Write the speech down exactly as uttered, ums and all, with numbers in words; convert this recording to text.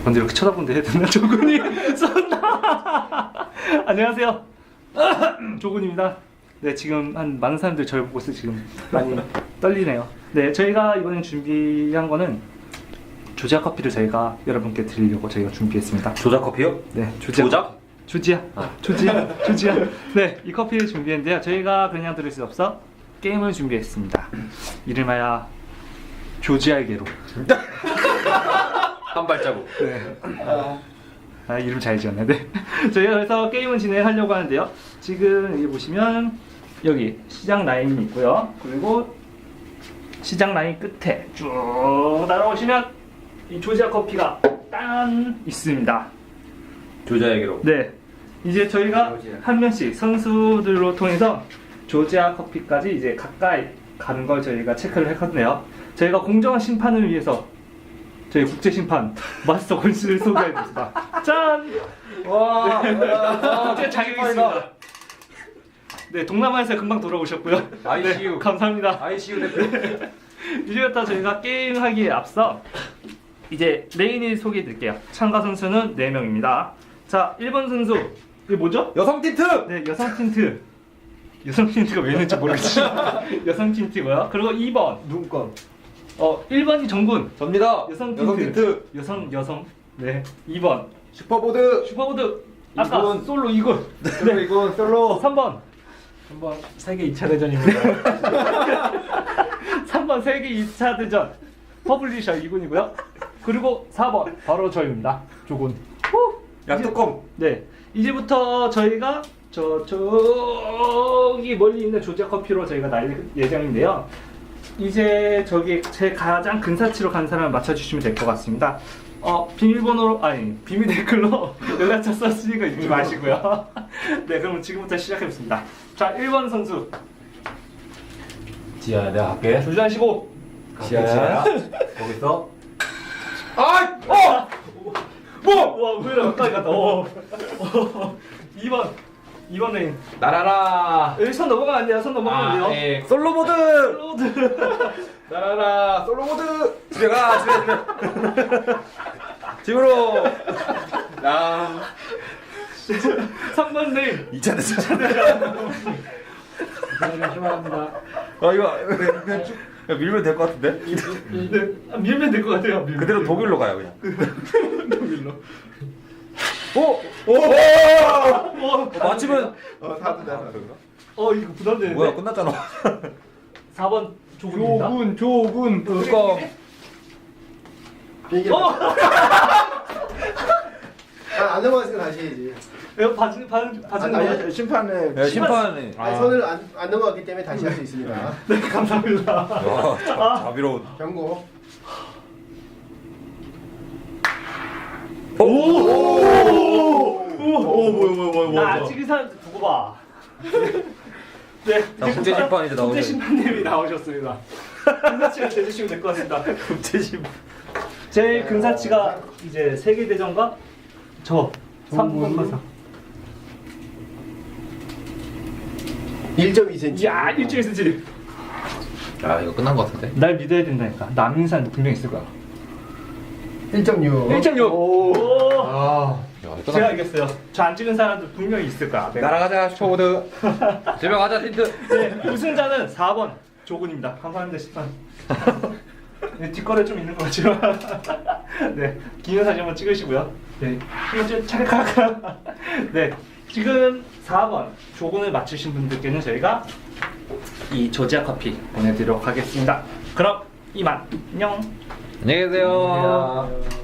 근데 이렇게 쳐다보는데 해야 되나? 조근이 쏜다. 안녕하세요. 조근입니다. 네, 지금 한 많은 사람들이 저를 보고 있어 지금 많이 떨리네요. 네, 저희가 이번에 준비한 거는 조지아 커피를 저희가 여러분께 드리려고 저희가 준비했습니다. 조작 커피요? 네, 조지아. 조작? 조지아. 아, 조지아. 조지아. 네, 이 커피를 준비했는데요. 저희가 그냥 들을 수 없어 게임을 준비했습니다. 이름하여 조지아에게로. 한 발자국. 네. 아, 이름 잘 지었네. 네. 저희가 그래서 게임을 진행하려고 하는데요. 지금 여기 보시면 여기 시작 라인이 있고요. 그리고 시작 라인 끝에 쭉 따라오시면 이 조지아 커피가 딴 있습니다. 조자에게로. 네. 이제 저희가 한 명씩 선수들로 통해서 조지아 커피까지 이제 가까이 가는 걸 저희가 체크를 했거든요. 저희가 공정한 심판을 위해서 저희 국제 심판 마스터 권씨를 소개해드립니다. 짠! 와. 국제 자격이 있습니다. 네, 동남아에서 금방 돌아오셨고요. 아이씨유. 네, 감사합니다. 아이씨유 대표. 이제부터 저희가 게임하기에 앞서 이제 메인을 소개해드릴게요. 참가 선수는 네 명입니다. 자, 일 번 선수 이게 뭐죠? 여성 틴트. 네, 여성 틴트. 여성 틴트가 왜 있는지 모르겠지만 여성 틴트고요. 그리고 이 번 눈건. 어, 일 번이 정군. 접니다. 여성 틴트. 여성 틴트. 여성 여성. 네. 이 번 슈퍼보드. 슈퍼보드. 아까 이군. 솔로 이 군. 솔로 이군 솔로. 삼 번. 한번 세계 이 차 대전입니다. 삼 번 세계 이 차 대전 퍼블리셔 이 군이고요. 그리고 사 번 바로 저입니다. 조군. 약뚜껑. 네. 이제부터 저희가 저 저기 멀리 있는 조지아 커피로 저희가 날 예정인데요. 이제 저기 제 가장 근사치로 간 사람을 맞춰주시면 될 것 같습니다. 어, 비밀번호로 아니 비밀 댓글로 연락처 썼으니까 잊지 마시고요. 네, 그럼 지금부터 시작해보겠습니다. 자, 일 번 선수 지아야, 내가 갈게. 조지하시고. 지아야. 거기서. 아! 어! 뭐? 와, 왜 이렇게 가까이 갔다. 어. 어. 이 번 이 번 레인. 나라라. 여기 손 넘어가면 안 돼요. 손 넘어가면 안 돼요. 예. 솔로보드. 로드. 나라라. 솔로보드. 집에 가. 집에 집에. 집으로. 야. 삼 번 레인. 이 차 대전. 조심합니다. 아 이거 그냥, 그냥 쭉 그냥 밀면 될 것 같은데? 네, 밀면 될 것 같아요. 밀면 그대로 될 독일로 가요 그냥. 독일로. 오! 오! 어, 맞추면 어, 다들 다 어, 이거 부담되는데. 뭐야 끝났잖아. 사 번 조군입니다. 조군 조군 뚜껑. 비행기. 어! 아, 안 넘어갔으니까 다시 해야지. 이거 봐주 봐주 봐주는 아니, 거예요? 심판을. 야, 심판이. 아니, 손을 안, 안 넘어갔기 때문에 다시 할 수 있습니다. 네, 감사합니다. 야, 자, 자비로운. 경고. 오! 오! 오, 뭐야 뭐야 뭐야 나 아직 이 사람 두고 봐. 네. 자, 국제 심판 이제 나오죠. 국제 심판님이 나오셨습니다. 근사치가 되주시면 될 것 같습니다. 국제 심판. 제 근사치가 이제 세계 대전과 저 삼 번 가서. 일 점 이 센티미터. 야, 일주일 쓰지. 아 이거 끝난 것 같은데? 날 믿어야 된다니까. 남인산 분명 있을 거야. 일 점 육. 일 점 육. 오. 아. 야 이거 제가 알겠어요. 저 안 찍은 사람도 분명히 있을 거야. 내가. 날아가자 슈퍼보드. 집에 가자 틴트. 네, 우승자는 사 번 조군입니다. 감사합니다, 심판. 네, 뒷거래 좀 있는 것 같지만. 네, 기념 사진 한번 찍으시고요. 네, 한번 좀 찰칵. 네, 지금 사 번 조군을 맞추신 분들께는 저희가 이 조지아 커피 보내드리도록 하겠습니다. 그럼 이만 안녕. 안녕히 계세요. 야.